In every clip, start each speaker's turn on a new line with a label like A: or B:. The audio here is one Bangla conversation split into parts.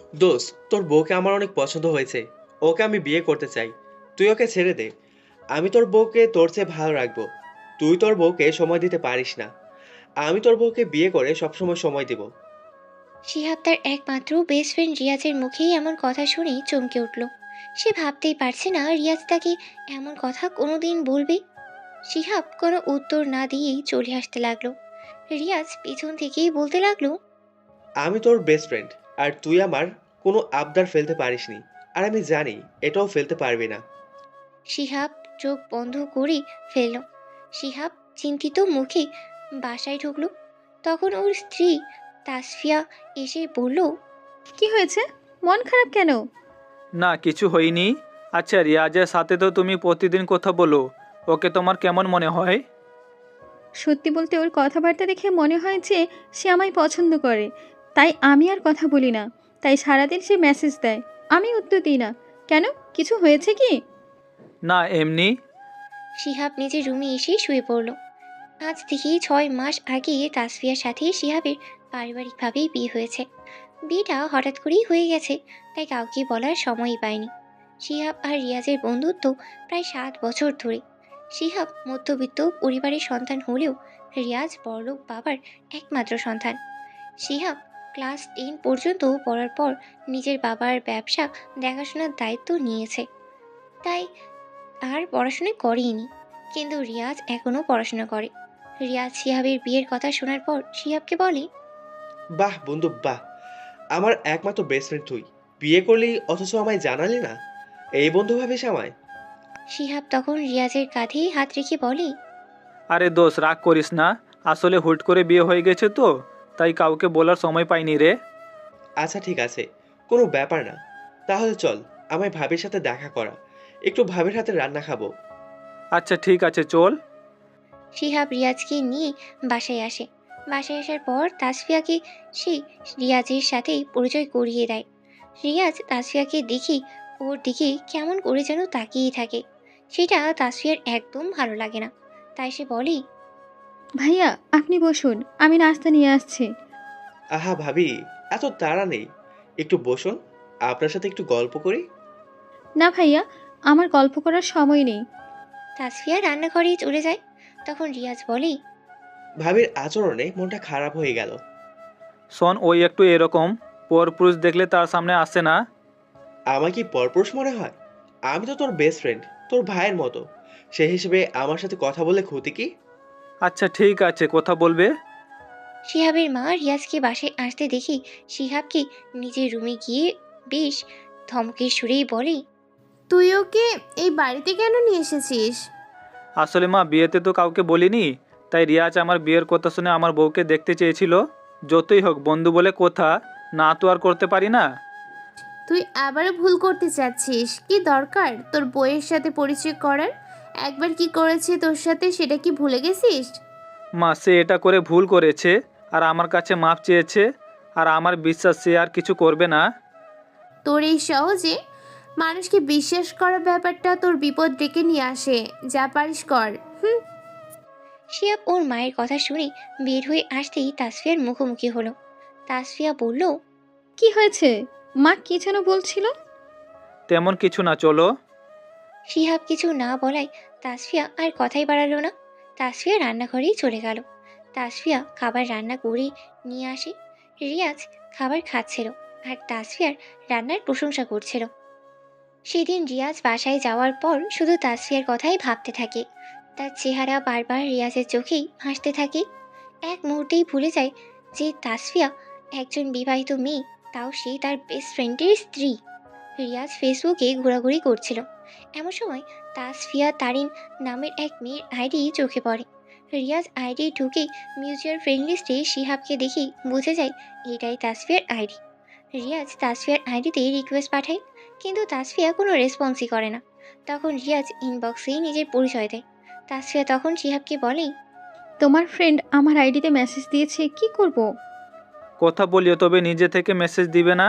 A: দোস্ত, তোর বউকে আমার অনেক পছন্দ হয়েছে। ওকে আমি বিয়ে করতে চাই। তুই ওকে ছেড়ে দে। আমি তোর বউকে তোর চেয়ে ভালো রাখবো। তুই তোর বউকে সময় দিতে পারিস না। আমি তোর বউকে বিয়ে করে সবসময় সময় দিব।
B: শিহাব তার একমাত্র বেস্ট ফ্রেন্ড রিয়াজের মুখেই এমন কথা শুনে চমকে উঠল। সে ভাবতেই পারছে না রিয়াজ তাকে এমন কথা কোনোদিন বলবে। শিহাব কোনো উত্তর না দিয়েই চলে আসতে লাগলো। রিয়াজ পিছন থেকেই বলতে লাগলো,
A: আমি তোর বেস্ট ফ্রেন্ড, আর তুই আমার কোনো আবদার ফেলতে পারিসনি। আর আমি জানি এটাও ফেলতে পারবি না।
B: শিহাব চোখ বন্ধ করে ফেলল। শিহাব চিন্তিত মুখে বাসায় ঢুকলো। তখন ওর স্ত্রী তাসফিয়া এসে বলল,
C: কি হয়েছে? মন খারাপ কেন?
D: না, কিছু হয়নি। আচ্ছা, রিয়াজের সাথে তো তুমি প্রতিদিন কথা বলো। ওকে তোমার কেমন মনে হয়?
C: সত্যি বলতে ওর কথাবার্তা দেখে মনে হয় যে সে আমায় পছন্দ করে। তাই আমি আর কথা বলি না। তাই সারাদিন সে মেসেজ দেয়, আমি উত্তর দিই না। কেন, কিছু হয়েছে কি?
D: না, এমনি।
B: শিহাব নিজের রুমে এসে শুয়ে পড়ল। আজ থেকে 6 মাস আগে তাসফিয়ার সাথে শিহাবের পারিবারিকভাবেই বিয়ে হয়েছে। বিয়েটা হঠাৎ করেই হয়ে গেছে, তাই কাউকে বলার সময়ই পায়নি। শিহাব আর রিয়াজের বন্ধুত্ব প্রায় 7 বছর ধরে। শিহাব মধ্যবিত্ত পরিবারের সন্তান হলেও রিয়াজ বড়লোক বাবার একমাত্র সন্তান। শিহাব ক্লাস 10 পর্যন্ত পড়ার পর নিজের বাবার ব্যবসা দেখাশোনার দায়িত্ব নিয়েছে, তাই আর পড়াশোনা করেইনি। কিন্তু রিয়াজ এখনও পড়াশোনা করে। রিয়াজ শিহাবের বিয়ের কথা শোনার পর শিহাবকে বলে,
A: বাহ বন্ধু, বাহ। আমার একমাত্র বেস্ট ফ্রেন্ড তুই। বিয়ে করলি অথচ আমায় জানালি না। এই বন্ধু ভাবিস আমায়?
B: শিহাব তখন রিয়াজের কাঁধে হাত রেখে বলে,
D: আরে দোষ, রাগ করিস না। আসলে হুট করে বিয়ে হয়ে গেছে তো, তাই কাউকে বলার সময় পাইনি রে।
A: আচ্ছা ঠিক আছে, কোনো ব্যাপার না। তাহলে চল, আমায় ভাবির সাথে দেখা করা। একটু ভাবির হাতে রান্না খাবো।
D: আচ্ছা ঠিক আছে, চল।
B: শিহাব রিয়াজকে নিয়ে বাসায় আসে। বাসায় আসার পর তাসফিয়াকে সে রিয়াজের সাথেই পরিচয় করিয়ে দেয়। রিয়াজ তাসফিয়াকে দেখি ওর দিকে কেমন করে যেন তাকিয়ে থাকে। সেটা তাসফিয়ার একদম ভালো লাগে না। তাই সে বলে,
C: ভাইয়া, আপনি বসুন, আমি নাস্তা নিয়ে আসছি।
A: আহা ভাবি, এত তাড়া নেই। একটু বসুন, আপনার সাথে একটু গল্প করি।
C: না ভাইয়া, আমার গল্প করার সময় নেই।
B: তাসফিয়া রান্নাঘরে চলে যায়। তখন রিয়াজ বলে,
A: ভাবির আচরণে মনটা খারাপ হয়ে গেল।
D: শোন, ওই একটু এরকম পরপুরুষ দেখলে তার সামনে আসে না।
A: আমার কি পরপুরুষ মনে হয়? আমি তো তোর বেস্ট ফ্রেন্ড, তোর ভাইয়ের মতো। সেই হিসেবে আমার সাথে কথা বলে ক্ষতি কি?
D: আচ্ছা ঠিক আছে, কথা বলবে।
B: শিহাবের মা রিয়াজকে বাসায় আসতে দেখি শিহাবকে নিজের রুমে গিয়ে বেশ ধমকের সুরেই বলে,
E: তুই ওকে এই বাড়িতে কেন নিয়ে এসেছিস?
D: আসলে মা, বিয়েতে তো কাউকে বলিনি। তাই রিয়াজ আমার বিয়ের কথা শুনে আমার বউকে দেখতে চেয়েছিল। যতই হোক বন্ধু বলে কথা, না তো আর করতে পারি না।
E: তুই আবারও ভুল করতে চাচ্ছিস। কি দরকার তোর বইয়ের সাথে পরিচয় করার? একবার কি করেছে তোর সাথে সেটা কি ভুলে গেছিস?
D: মা, সে এটা করে ভুল করেছে আর আমার কাছে মাপ চেয়েছে। আর আমার বিশ্বাস সে আর কিছু করবে না।
E: তোর এই সহজে মানুষকে বিশ্বাস করার ব্যাপারটা তোর বিপদ ডেকে নিয়ে আসে। যা পারিস কর। হুম।
B: শিহাব ওর মায়ের কথা শুনে বের হয়ে আসতেই তাসফিয়ার মুখোমুখি হলো। তাসফিয়া বলল,
C: কি হয়েছে? মা কি যেন বলছিল?
D: তেমন কিছু না, চলো।
B: শিহাব কিছু না বলায় তাসফিয়া আর কথাই বাড়ালো না। তাসফিয়া রান্নাঘরেই চলে গেল। তাসফিয়া খাবার রান্না করে নিয়ে আসে। রিয়াজ খাবার খাচ্ছিল আর তাসফিয়ার রান্নার প্রশংসা করছিল। সেদিন রিয়াজ বাসায় যাওয়ার পর শুধু তাসফিয়ার কথাই ভাবতে থাকে। তার চেহারা বারবার রিয়াজের চোখেই ভাসতে থাকে। এক মুহূর্তেই ভুলে যায় যে তাসফিয়া একজন বিবাহিত মেয়ে, তাও সে তার বেস্ট ফ্রেন্ডের স্ত্রী। রিয়াজ ফেসবুকে ঘোরাঘুরি করছিল। এমন সময় তাসফিয়া তারিন নামের এক মেয়ের আইডি চোখে পড়ে। রিয়াজ আইডি ঢুকে মিউচুয়াল ফ্রেন্ড লিস্টে শিহাবকে দেখেই বুঝে যায় এটাই তাসফিয়ার আইডি। রিয়াজ তাসফিয়ার আইডিতে রিকোয়েস্ট পাঠায়, কিন্তু তাসফিয়া কোনো রেসপন্সই করে না। তখন রিয়াজ ইনবক্সেই নিজের পরিচয় দেয়। তাসফিয়া তখন শিহাবকে বলে,
C: তোমার ফ্রেন্ড আমার আইডিতে মেসেজ দিয়েছে, কি করব?
D: কথা বলিও, তবে নিজে থেকে মেসেজ দিবে না।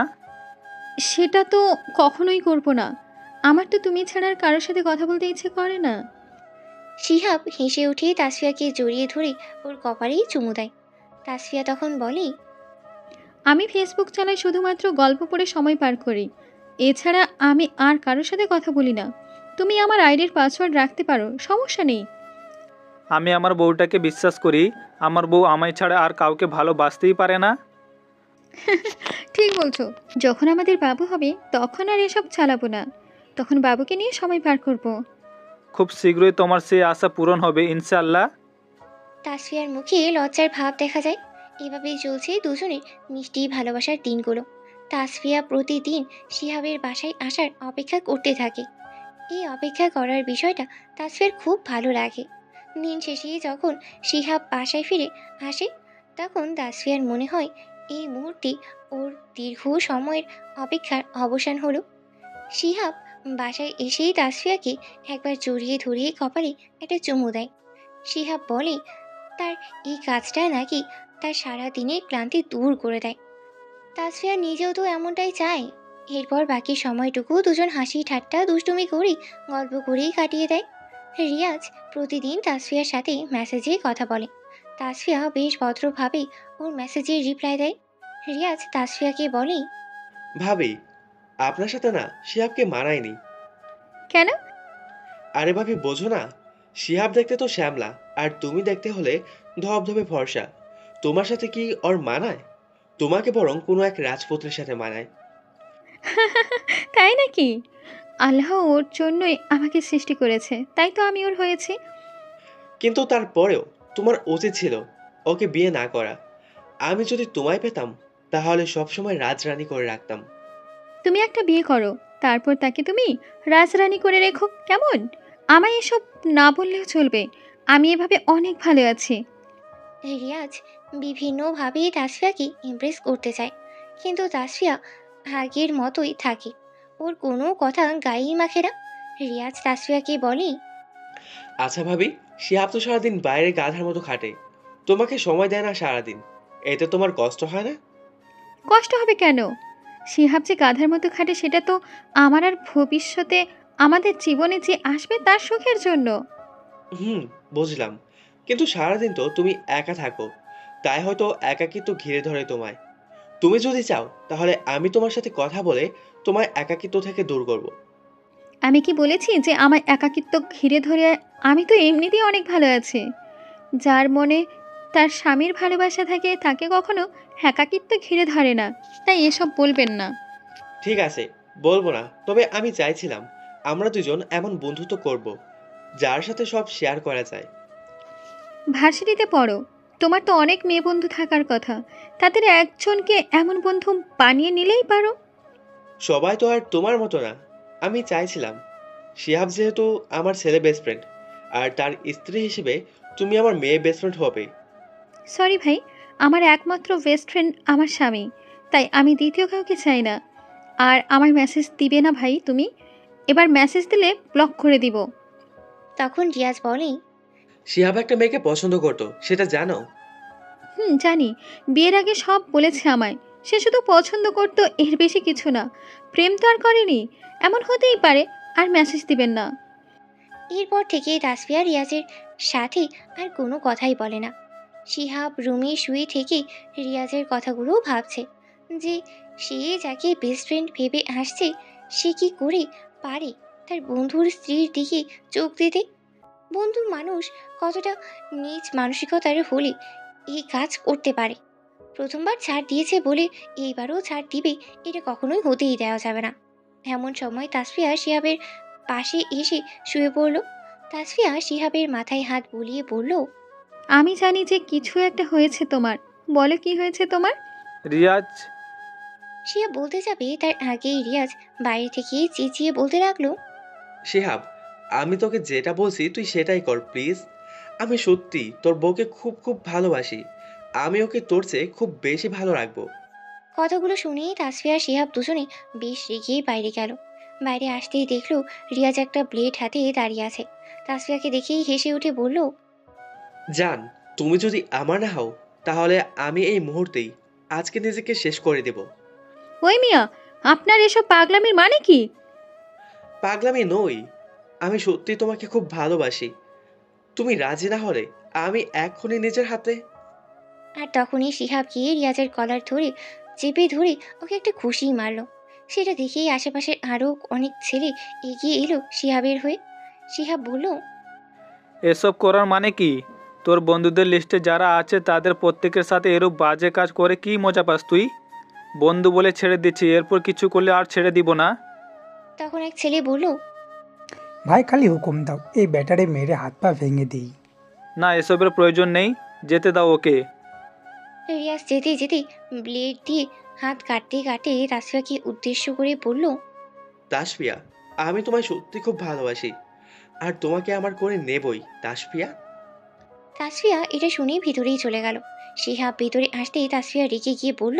C: সেটা তো কখনোই করব না। আমার তো তুমি ছাড়া আর কারোর সাথে কথা বলতে ইচ্ছে করে না।
B: শিহাব হেসে উঠে তাসফিয়াকে জড়িয়ে ধরে ওর কপালেই চুমু দেয়। তাসফিয়া তখন বলে,
C: আমি ফেসবুক চালাই শুধুমাত্র গল্প পড়ে সময় পার করি। এছাড়া আমি আর কারোর সাথে কথা বলি না। তুমি আমার আইডির পাসওয়ার্ড রাখতে পারো, সমস্যা নেই।
D: আমি আমার বউটাকে বিশ্বাস করি। আমার বউ আমায় ছাড়া আর কাউকে ভালোবাসতেই পারে না।
C: ঠিক বলছো। যখন আমাদের বাবু হবে তখন আর এসব চালাবো না, তখন বাবুকে নিয়ে সময় পার করব।
D: খুব শীঘ্রই তোমার সেই আশা পূরণ হবে ইনশাআল্লাহ।
B: তাসফিয়ার মুখে লজ্জার ভাব দেখা যায়। এভাবেই চলছে দুজনের মিষ্টি ভালোবাসার দিনগুলো। তাসফিয়া প্রতিদিন শিহাবের বাসায় আসার অপেক্ষা করতে থাকে। এই অপেক্ষা করার বিষয়টা তাসফিয়ার খুব ভালো লাগে। দিন শেষে যখন শিহাব বাসায় ফিরে আসে তখন তাসফিয়ার মনে হয় এই মুহূর্তে ওর দীর্ঘ সময়ের অপেক্ষার অবসান হলো। শিহাব বাসায় এসেই তাসফিয়াকে একবার জড়িয়ে ধরিয়ে কপালে একটা চুমু দেয়। শিহাব বলে তার এই কাজটা নাকি তার সারা দিনের ক্লান্তি দূর করে দেয়। তাসফিয়া নিজেও তো এমনটাই চায়। এরপর বাকি সময়টুকু দুজন হাসি ঠাট্টা দুষ্টুমি করে গল্প করেই কাটিয়ে দেয়। রিয়াজ প্রতিদিন তাসফিয়ার সাথে মেসেজে কথা বলে। তাসফিয়া বেশ ভদ্রভাবে ওর মেসেজের রিপ্লাই দেয়। রিয়াজ তাসফিয়াকে বলে,
A: ভাবি, আপনার সাথে না শিহাবকে মানায়নি।
C: কেন?
A: আরে ভাবি, বোঝো না? শিহাব দেখতে তো শ্যামলা, আর তুমি দেখতে হলে ধবধবে ফর্সা। তোমার সাথে কি ওর মানায়? তোমাকে বরং কোনো এক রাজপুত্রের সাথে মানায়।
C: তাই নাকি? আল্লাহ ওর জন্যই আমাকে সৃষ্টি করেছে, তাই তো আমি ওর হয়েছি।
A: কিন্তু তারপরেও তোমার উচিত ছিল ওকে বিয়ে না করা। আমি যদি তোমায় পেতাম তাহলে সবসময় রাজরানী করে রাখতাম।
C: তুমি একটা বিয়ে করো, তারপর তাকে তুমি রাজরানী করে রেখো, কেমন? আমায় এসব না বললেও চলবে, আমি এভাবে অনেক ভালো আছি।
B: রিয়াজ বিভিন্নভাবে তাসফিয়াকে ইমপ্রেস করতে চায়, কিন্তু তাসফিয়া আগের মতোই থাকে। ওর কোনো কথা গায়েই মাখে না। রিয়াজ তাসফিয়াকে বলে,
A: আচ্ছা ভাবি, শিহাব তো সারাদিন বাইরে গাধার মতো খাটে, তোমাকে সময় দেয় না সারাদিন। এতে তোমার কষ্ট হয় না?
C: কষ্ট হবে কেন? শিহাব যে গাধার মতো খাটে সেটা তো আমার আর ভবিষ্যতে আমাদের জীবনে যে আসবে তার সুখের জন্য।
A: হুম, বুঝলাম। কিন্তু সারাদিন তো তুমি একা থাকো, তাই হয়তো একাকিত্ব ঘিরে ধরে তোমায়। তুমি যদি চাও তাহলে আমি তোমার সাথে কথা বলে তোমায় একাকিত্ব থেকে দূর করব।
C: আমি কি বলেছি যে আমার একাকিত্ব ঘিরে ধরে? আমি তো এমনিতেই অনেক ভালো আছি। যার মনে তার স্বামীর ভালোবাসা থাকে তাকে কখনো একাকিত্ব ঘিরে ধরে না, তাই এসব বলবেন না।
A: ঠিক আছে, বলবো না। তবে আমি চাইছিলাম আমরা দুজন এমন বন্ধুত্ব করব যার সাথে সব শেয়ার করা যায়।
C: ভার্সিটিতে পড়ো, তোমার তো অনেক মেয়ে বন্ধু থাকার কথা, তাদের একজনকে এমন বন্ধু বানিয়ে নিলেই পারো।
A: সবাই তো আর তোমার মতো না। আমি চাইছিলাম শিহাব যেহেতু আমার ছেলে বেস্ট ফ্রেন্ড, আর তার স্ত্রী হিসেবে তুমি আমার মেয়ে বেস্ট ফ্রেন্ড হবে।
C: সরি ভাই, আমার একমাত্র বেস্ট ফ্রেন্ড আমার স্বামী, তাই আমি দ্বিতীয় কাউকে চাই না। আর আমার মেসেজ দিবে না ভাই তুমি, এবার মেসেজ দিলে ব্লক করে দিব।
B: তখন রিয়াজ বলে,
A: শিহাব একটা মেয়েকে পছন্দ করতো, সেটা জানো?
C: জানি। বিয়ের আগে সব বলেছে আমায়। সে শুধু পছন্দ করতো, এর বেশি কিছু না। প্রেম তো আর করেনি, এমন হতেই পারে। আর মেসেজ দিবেন না।
B: এরপর থেকে তাসফিয়া রিয়াজের সাথে আর কোনো কথাই বলে না। শিহাব রুমে শুয়ে থেকে রিয়াজের কথাগুলো ভাবছে যে সে যাকে বেস্ট ফ্রেন্ড ভেবে আসছে সে কি করে পারে তার বন্ধুর স্ত্রীর দিকে চোখ দিতে। বন্ধু মানুষ কতটা নীচ মানসিকতার হলে এই কাজ করতে পারে। প্রথমবার ছাড় দিয়েছে বলে এইবারও ছাড় দিবে, এটা কখনোই হতেই দেওয়া যাবে না। এমন সময় তাসফিয়া শিহাবের পাশে এসে শুয়ে পড়ল। তাসফিয়া শিহাবের মাথায় হাত বুলিয়ে বলল,
C: আমি জানি যে কিছু একটা হয়েছে তোমার। বলো কি হয়েছে তোমার?
D: রিয়াজ,
B: শিহাব বলতে যাবে তার আগেই রিয়াজ বাইরে থেকে চেঁচিয়ে বলতে লাগলো,
A: শিহাব, আমি তোকে যেটা বলছি তুই সেটাই কর প্লিজ। আমি সত্যি তোর বউকে খুব খুব ভালোবাসি। আমি ওকে তোর চেয়ে খুব বেশি ভালো রাখবো।
B: কথাগুলো শুনেই তাসফিয়া আর শিহাব দুজনে বেশ রেগে বাইরে গেল। বাইরে আসতেই দেখলো রিয়াজ একটা ব্লেড হাতে দাঁড়িয়ে আছে। তাসফিয়াকে দেখেই হেসে উঠে বলল,
A: জান, তুমি যদি আমার না হও তাহলে আমি এই মুহূর্তেই আজকে নিজেকে শেষ করে দেব।
C: ওই মিয়া, আপনার এসব পাগলামির মানে কি?
A: পাগলামি নই, আমি সত্যি তোমাকে খুব ভালোবাসি। তুমি রাজি না হলে আমি এখনই নিজের হাতে।
B: আর তখনই শিহাব গিয়ে রিয়াজের কলার ধরে চেপে ধরে ওকে একটা খুশি মারলো। সেটা দেখেই আশেপাশের আরও অনেক ছেলে এগিয়ে এলো শিহাবের হয়ে। শিহাব বলল,
D: এসব করার মানে কি? তোর বন্ধুদের লিস্টে যারা আছে তাদের প্রত্যেকের সাথে এরূপ বাজে কাজ করে কি মজা পাস তুই? বন্ধু বলে ছেড়ে দিচ্ছি, এরপর কিছু করলে আর ছেড়ে দিব না।
B: তখন এক ছেলে বলল,
F: ভাই খালি হুকুম দাও, এই ব্যাটারে মেরে হাত পা ভেঙে দিই।
D: না, এসবের প্রয়োজন নেই, যেতে দাও ওকে।
B: রিয়াজ যেতে যেতে ব্লেড দিয়ে হাত কাটতে কাটতে তাসফিয়াকে উদ্দেশ্য করে বলল,
A: তাসফিয়া, আমি তোমায় সত্যি খুব ভালোবাসি, আর তোমাকে আমার করে নেবই তাসফিয়া।
B: তাসফিয়া এটা শুনেই ভিতরেই চলে গেল। শিহাব ভিতরে আসতেই তাসফিয়া রেগে গিয়ে বলল,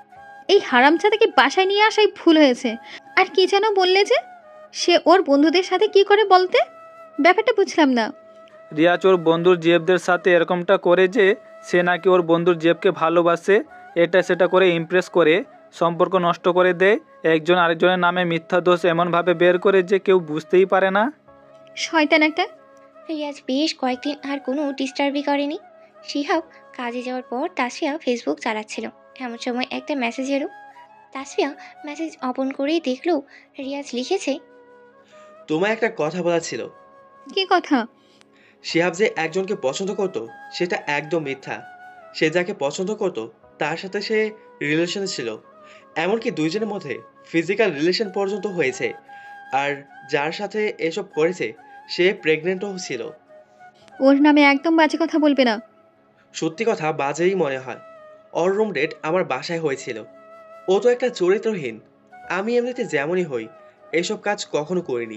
C: এই হারামজাদাকে বাসায় নিয়ে আসাই ভুল হয়েছে। আর কি যেন বললে যে সে ওর বন্ধুদের সাথে কি করে বলতে? ব্যাপারটা বুঝলাম না।
D: রিয়াজ ওর বন্ধুর জেবদের সাথে এরকমটা করে যে সে নাকি ওর বন্ধুর জেবকে ভালোবাসে, এটা সেটা করে ইমপ্রেস করে সম্পর্ক নষ্ট করে দেয়, একজন আরেকজনের নামে মিথ্যা দোষ এমনভাবে বের করে যে কেউ বুঝতেই পারে না।
C: শয়তান একটা।
B: রিয়াজ বেশ কয়েকদিন আর কোনো ডিস্টার্বই করেনি। শিহাব কাজে যাওয়ার পর তাসফিয়া ফেসবুক চালাচ্ছিল। এমন সময় একটা মেসেজ এলো। তাসফিয়া মেসেজ ওপেন করেই দেখলো রিয়াজ লিখেছে,
A: তোমায় একটা কথা বলার ছিল।
C: কি কথা?
A: শিহাব যে একজনকে পছন্দ করত সেটা একদম মিথ্যা। সে যাকে পছন্দ করত তার সাথে সে রিলেশনে ছিল, এমনকি দুইজনের মধ্যে ফিজিক্যাল রিলেশন পর্যন্ত হয়েছে। আর যার সাথে এসব করেছে সে প্রেগনেন্টও ছিল।
C: ওর নামে একদম বাজে কথা বলবে না।
A: সত্যি কথা বাজেই মনে হয়। ওর রুম ডেট আমার বাসায় হয়েছিল। ও তো একটা চরিত্রহীন। আমি এমনিতে যেমনই হই এইসব কাজ কখনো করিনি।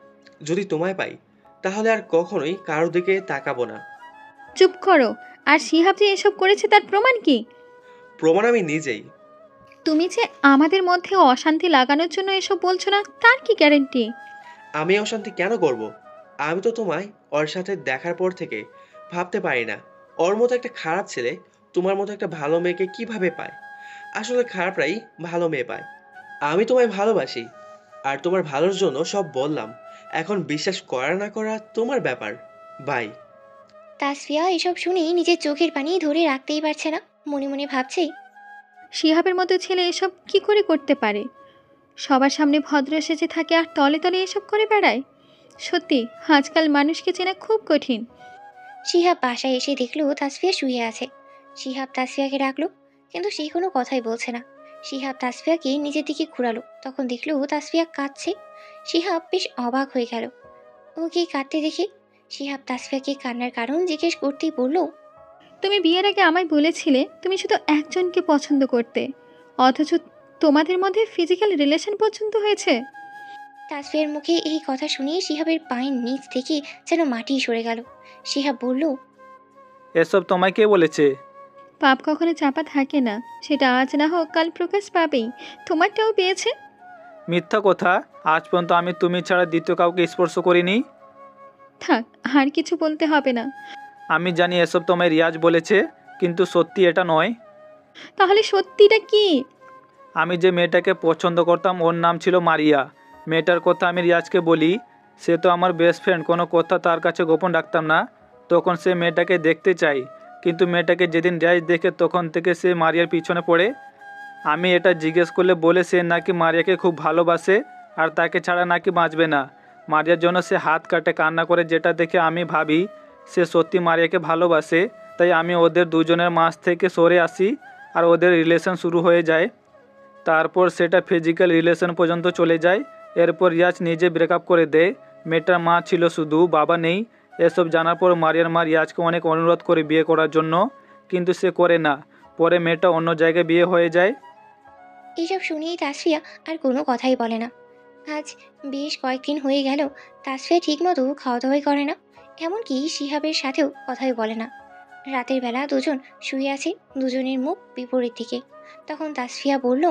A: যদি তোমায় পাই তাহলে আর কখনোই কারোর দিকে তাকাবো না।
C: চুপ করো। আর শিহাব যে এসব করেছে তার প্রমাণ কি?
A: প্রমাণ আমি নিজেই।
C: তুমি যে আমাদের মধ্যে অশান্তি লাগানোর জন্য এসব বলছো না, তার কি গ্যারেন্টি?
A: আমি অশান্তি কেন করব? আমি তো তোমায় ওর সাথে দেখার পর থেকে ভাবতে পারি না ওর মতো একটা খারাপ ছেলে তোমার মতো একটা ভালো মেয়েকে কিভাবে পায়। আসলে খারাপরাই ভালো মেয়ে পায়। আমি তোমায় ভালোবাসি, আর তোমার ভালোর জন্য সব বললাম। এখন বিশ্বাস করা না করা তোমার ব্যাপার। বাই।
B: তাসফিয়া এসব শুনেই নিজের চোখের পানি ধরে রাখতেই পারছে না। মনে মনে ভাবছে,
C: শিহাবের মতো ছেলে এসব কি করে করতে পারে? সবার সামনে ভদ্র সেজে থাকে আর তলে তলে এসব করে বেড়ায়। সত্যি আজকাল মানুষকে চেনা খুব কঠিন।
B: শিহাব বাসায় এসে দেখলো তাসফিয়া শুয়ে আছে। শিহাব তাসফিয়াকে ডাকলো, কিন্তু সে কোনো কথাই বলছে না। শিহাব তাসফিয়াকে নিজের দিকে ঘুরালো, তখন দেখলো তাসফিয়া কাঁদছে। শিহাব বেশ অবাক হয়ে গেল ওকে কাঁদতে দেখে। শিহাব তাসফিয়াকে কান্নার কারণ জিজ্ঞেস করতেই বলল,
C: তুমি বিয়ের আগে আমায় বলেছিলে তুমি শুধু একজনকে পছন্দ করতে, অথচ তোমাদের মধ্যে ফিজিক্যাল রিলেশন পর্যন্ত হয়েছে।
B: তাসফিয়ার মুখে এই কথা শুনে শিহাবের পায়ের নিচ থেকে যেন মাটি সরে গেল। শিহাব বলল,
D: এসব তোমায় কে বলেছে?
C: পাপ কখনো চাপা থাকে না, সেটা আজ না হোক কাল প্রকাশ পাবেই। তোমারটাও পেয়েছে।
D: মিথ্যা কথা, আজ পর্যন্ত আমি তুমি ছাড়া দ্বিতীয় কাউকে স্পর্শ করিনি।
C: থাক, আর কিছু বলতে হবে না।
D: আমি জানি এসব তোমায় রিয়াজ বলেছে, কিন্তু সত্যি এটা নয়।
C: তাহলে সত্যিটা কি?
D: আমি যে মেয়েটাকে পছন্দ করতাম ওর নাম ছিল মারিয়া। মেয়েটার কথা আমি রিয়াজকে বলি, সে তো আমার বেস্ট ফ্রেন্ড, কোনো কথা তার কাছে গোপন রাখতাম না। তখন সে মেয়েটাকে দেখতে চাই, কিন্তু মেয়েটাকে যেদিন রিয়াজ দেখে তখন থেকে সে মারিয়ার পিছনে পড়ে। আমি এটা জিজ্ঞেস করলে বলে সে নাকি মারিয়াকে খুব ভালোবাসে আর তাকে ছাড়া নাকি বাঁচবে না। মারিয়ার জন্য সে হাত কাটে কান্না করে, যেটা দেখে আমি ভাবি সে সত্যি মারিয়াকে ভালোবাসে। তাই আমি ওদের দুজনের মাঝ থেকে সরে আসি আর ওদের রিলেশন শুরু হয়ে যায়। তারপর সেটা ফিজিক্যাল রিলেশন পর্যন্ত চলে যায়। এরপর রিয়াজ নিজে ব্রেকআপ করে দেয়। মেয়েটার মা ছিল শুধু, বাবা নেই। এসব জানার পর মারিয়ার মা রিয়াজকে অনেক অনুরোধ করে বিয়ে করার জন্য, কিন্তু সে করে না। পরে মেয়েটা অন্য জায়গায় বিয়ে হয়ে যায়।
B: এইসব শুনেই তাসফিয়া আর কোনো কথাই বলে না। আজ বেশ কয়েকদিন হয়ে গেল তাসফিয়া ঠিকমতো খাওয়া দাওয়াই করে না, এমনকি শিহাবের সাথেও কথাই বলে না। রাতের বেলা দুজন শুয়ে আছে, দুজনের মুখ বিপরীত দিকে। তখন তাসফিয়া বলল,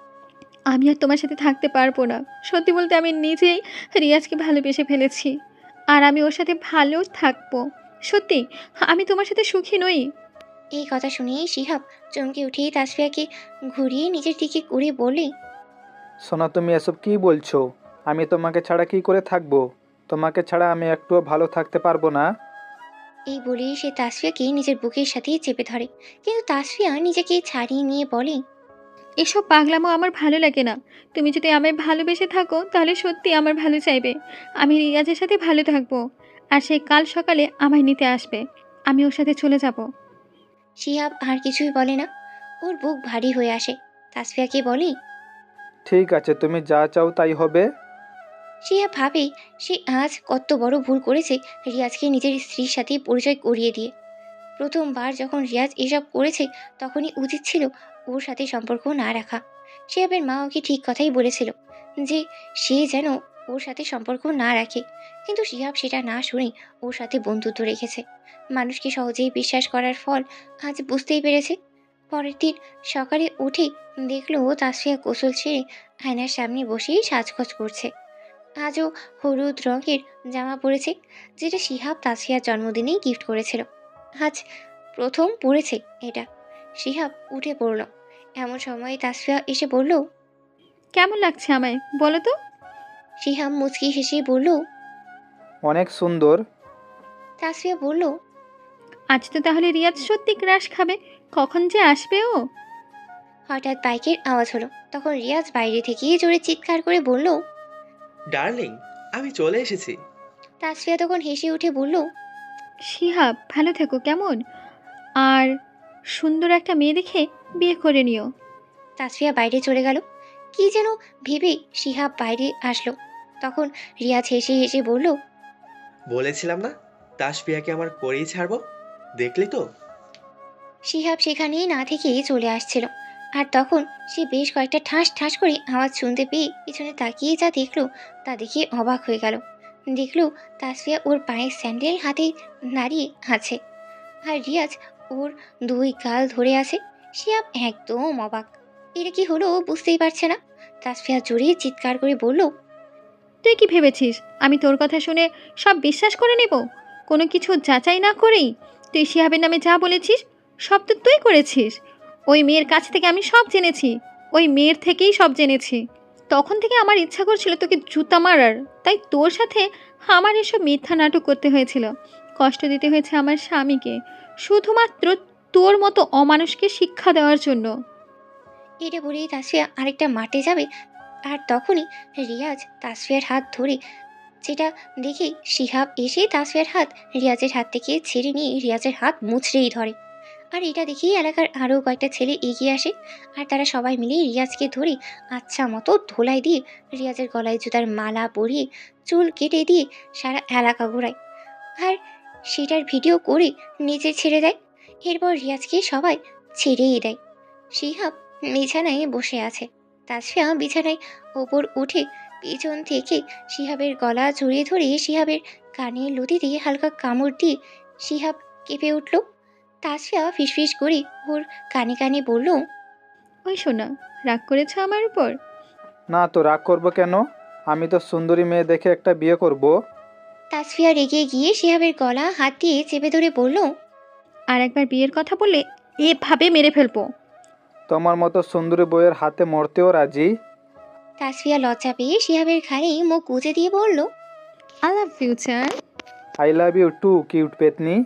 C: আমি আর তোমার সাথে থাকতে পারবো না। সত্যি বলতে আমি নিজেই রিয়াজকে ভালোবেসে ফেলেছি, আর আমি ওর সাথে ভালো থাকবো। সত্যি আমি তোমার সাথে সুখী নই।
B: এই কথা শুনেই শিহাব চমকে উঠেই তাসফিয়াকে ঘুরিয়ে নিজের দিকে করে বলে,
D: সোনা, তুমি এসব কি বলছো? আমি তোমাকে ছাড়া কি করে থাকবো? তোমাকে ছাড়া আমি একটুও ভালো থাকতে পারবো না।
B: এই বলেই সে তাসফিয়াকে নিজের বুকের সাথে চেপে ধরে, কিন্তু তাসফিয়া নিজেকে ছাড়িয়ে নিয়ে বলে,
C: এসব পাগলামো আমার ভালো লাগে না। তুমি যদি আমায় ভালোবেসে থাকো তাহলে সত্যি আমার ভালো চাইবে। আমি রিয়াজের সাথে ভালো থাকবো, আর সে কাল সকালে আমায় নিতে আসবে। আমি ওর সাথে চলে যাব।
B: শিহাব আর কিছুই বলে না। ওর বুক ভারী হয়ে আসে। তাসফিয়াকে বলে,
D: ঠিক আছে, তুমি যা চাও তাই হবে।
B: শিহাব ভাবে সে আজ কত বড় ভুল করেছে রিয়াজকে নিজের স্ত্রীর সাথে পরিচয় করিয়ে দিয়ে। প্রথমবার যখন রিয়াজ এসব করেছে তখনই উচিত ছিল ওর সাথে সম্পর্ক না রাখা। শিহাবের মা ওকে ঠিক কথাই বলেছিল যে সে যেন ওর সাথে সম্পর্ক না রাখে, কিন্তু শিহাব সেটা না শুনে ওর সাথে বন্ধুত্ব রেখেছে। মানুষকে সহজেই বিশ্বাস করার ফল আজ বুঝতেই পেরেছে। পরের দিন সকালে উঠে দেখলো তাসফিয়া গোসল ছেড়ে আয়নার সামনে বসেই সাজগোজ করছে। আজও হলুদ রঙের জামা পরেছে, যেটা শিহাব তাসফিয়ার জন্মদিনেই গিফট করেছিল। আজ প্রথম পড়েছে এটা। শিহাব উঠে পড়ল। এমন সময় তাসফিয়া এসে বলল,
C: কেমন লাগছে আমায় বলো তো?
B: শিহাব মুচকি হেসে বলল।
D: অনেক সুন্দর।
B: তাসফিয়া বলল,
C: আজ তো তাহলে রিয়াজ সত্যি ক্রাশ খাবে। কখন যে আসবে ও?
B: হঠাৎ বাইকের আওয়াজ হলো। তখন রিয়াজ বাইরে থেকে জোরে চিৎকার করে বলল।
A: ডার্লিং, আমি চলে এসেছি।
B: তাসফিয়া তখন হেসে উঠে বলল,
C: শিহাব ভালো থেকো কেমন, আর সুন্দর একটা মেয়ে দেখে বিয়ে করে নিও।
B: তাসফিয়া বাইরে চলে গেল। কি যেন ভেবে শিহাব বাইরে আসলো। তখন রিয়াজ হেসে হেসে বলল,
A: বলেছিলাম না তাসফিয়াকে আমার করেই ছাড়বো, দেখলি তো।
B: শিহাব সেখানেই না থেকে চলে আসছিল। আর তখন সে বেশ কয়েকটা ঠাস ঠাস করে আওয়াজ শুনতে পেয়ে পিছনে তাকিয়ে যা দেখলো তা দেখে অবাক হয়ে গেল। দেখলো তাসফিয়া ওর পায়ের স্যান্ডেল হাতে দাঁড়িয়ে আছে, আর রিয়াজ ওর দুই গাল ধরে আছে। শিহাব একদম অবাক। এটা কি হলো বুঝতেই পারছে না। তাসফিয়া জোরে চিৎকার করে বলল,
C: তুই কি ভেবেছিস আমি তোর কথা শুনে সব বিশ্বাস করে নেব? কোনো কিছু যাচাই না করেই তুই শিহাবের নামে যা বলেছিস সব তো তুই করেছিস। ওই মেয়ের কাছ থেকে আমি সব জেনেছি, ওই মেয়ের থেকেই সব জেনেছি। তখন থেকে আমার ইচ্ছা করছিল তোকে জুতা মারার, তাই তোর সাথে আমার এসব মিথ্যা নাটক করতে হয়েছিল। কষ্ট দিতে হয়েছে আমার স্বামীকে, শুধুমাত্র তোর মতো অমানুষকে শিক্ষা দেওয়ার জন্য।
B: এটা বলেই তাসফিয়া আরেকটা মাঠে যাবে, আর তখনই রিয়াজ তাসফিয়ার হাত ধরে, যেটা দেখে শিহাব এসে তাসফিয়ার হাত রিয়াজের হাত থেকে ছেড়ে নিয়ে রিয়াজের হাত মুচড়েই ধরে। আর এটা দেখেই এলাকার আরও কয়েকটা ছেলে এগিয়ে আসে, আর তারা সবাই মিলে রিয়াজকে ধরে আচ্ছা মতো ধোলাই দিয়ে রিয়াজের গলায় জুতার মালা পরিয়ে চুল কেটে দিয়ে সারা এলাকা ঘোরায়, আর সেটার ভিডিও করে নিচে ছেড়ে দেয়। এরপর রিয়াজকে সবাই ছেড়েই দেয়। শিহাব বিছানায় বসে আছে। তাসফিয়া বিছানায় ওপর উঠে পিছন থেকে শিহাবের গলা জড়িয়ে ধরে শিহাবের কানের লতিতে হালকা কামড় দিয়ে শিহাব কেঁপে উঠল। তাসফিয়া ফিসফিস করে ওর কানে কানে বলল,
C: ওই শোনা, রাগ করেছ আমার উপর?
D: না তো, রাগ করবো কেন? আমি তো সুন্দরী মেয়ে দেখে একটা বিয়ে করব।
B: তাসফিয়া রেগে গিয়ে শিহাবের গলা হাত দিয়ে চেপে ধরে বলল,
C: আর একবার বিয়ের কথা বললে এভাবে মেরে ফেলবো।
D: তোমার মতো সুন্দরী বইয়ের হাতে মরতেও রাজি।
B: তাসফিয়া লজ্জা পেয়ে শিহাবের ঘাড়ে মুখ গুজে দিয়ে বলল,
C: I love future.
D: I love you too, cute পেতনি।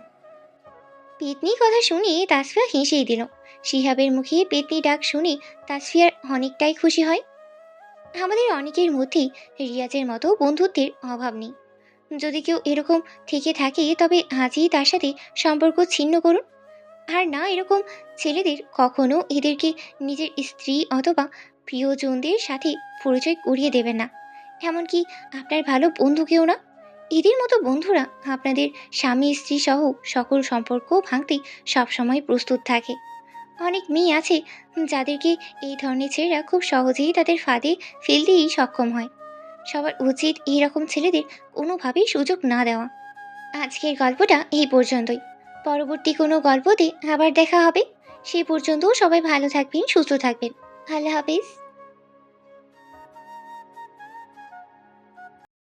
B: পেতনি কথা শুনে তাসফিয়া হেসেই দিল। শিহাবের মুখে পেতনি ডাক শুনে তাসফিয়ার অনেকটাই খুশি হয়। আমাদের অনেকের মধ্যেই রিয়াজের মতো বন্ধুত্বের অভাব নেই। যদি কেউ এরকম থেকে থাকে তবে আজই তার সাথে সম্পর্ক ছিন্ন করুন। আর না, এরকম ছেলেদের কখনো এদেরকে নিজের স্ত্রী অথবা প্রিয়জনদের সাথে পরিচয় করিয়ে দেবেন না, এমনকি আপনার ভালো বন্ধুকেও না। এদের মতো বন্ধুরা আপনাদের স্বামী স্ত্রী সহ সকল সম্পর্ক ভাঙতে সবসময় প্রস্তুত থাকে। অনেক মেয়ে আছে যাদেরকে এই ধরনের ছেলেরা খুব সহজেই তাদের ফাঁদে ফেলতেই সক্ষম হয়। সবার উচিত এইরকম ছেলেদের কোনোভাবেই সুযোগ না দেওয়া। আজকের গল্পটা এই পর্যন্তই। পরবর্তী কোনো গল্পতে আবার দেখা হবে। সেই পর্যন্ত সবাই ভালো থাকবেন, সুস্থ থাকবেন। আল্লাহ হাফেজ।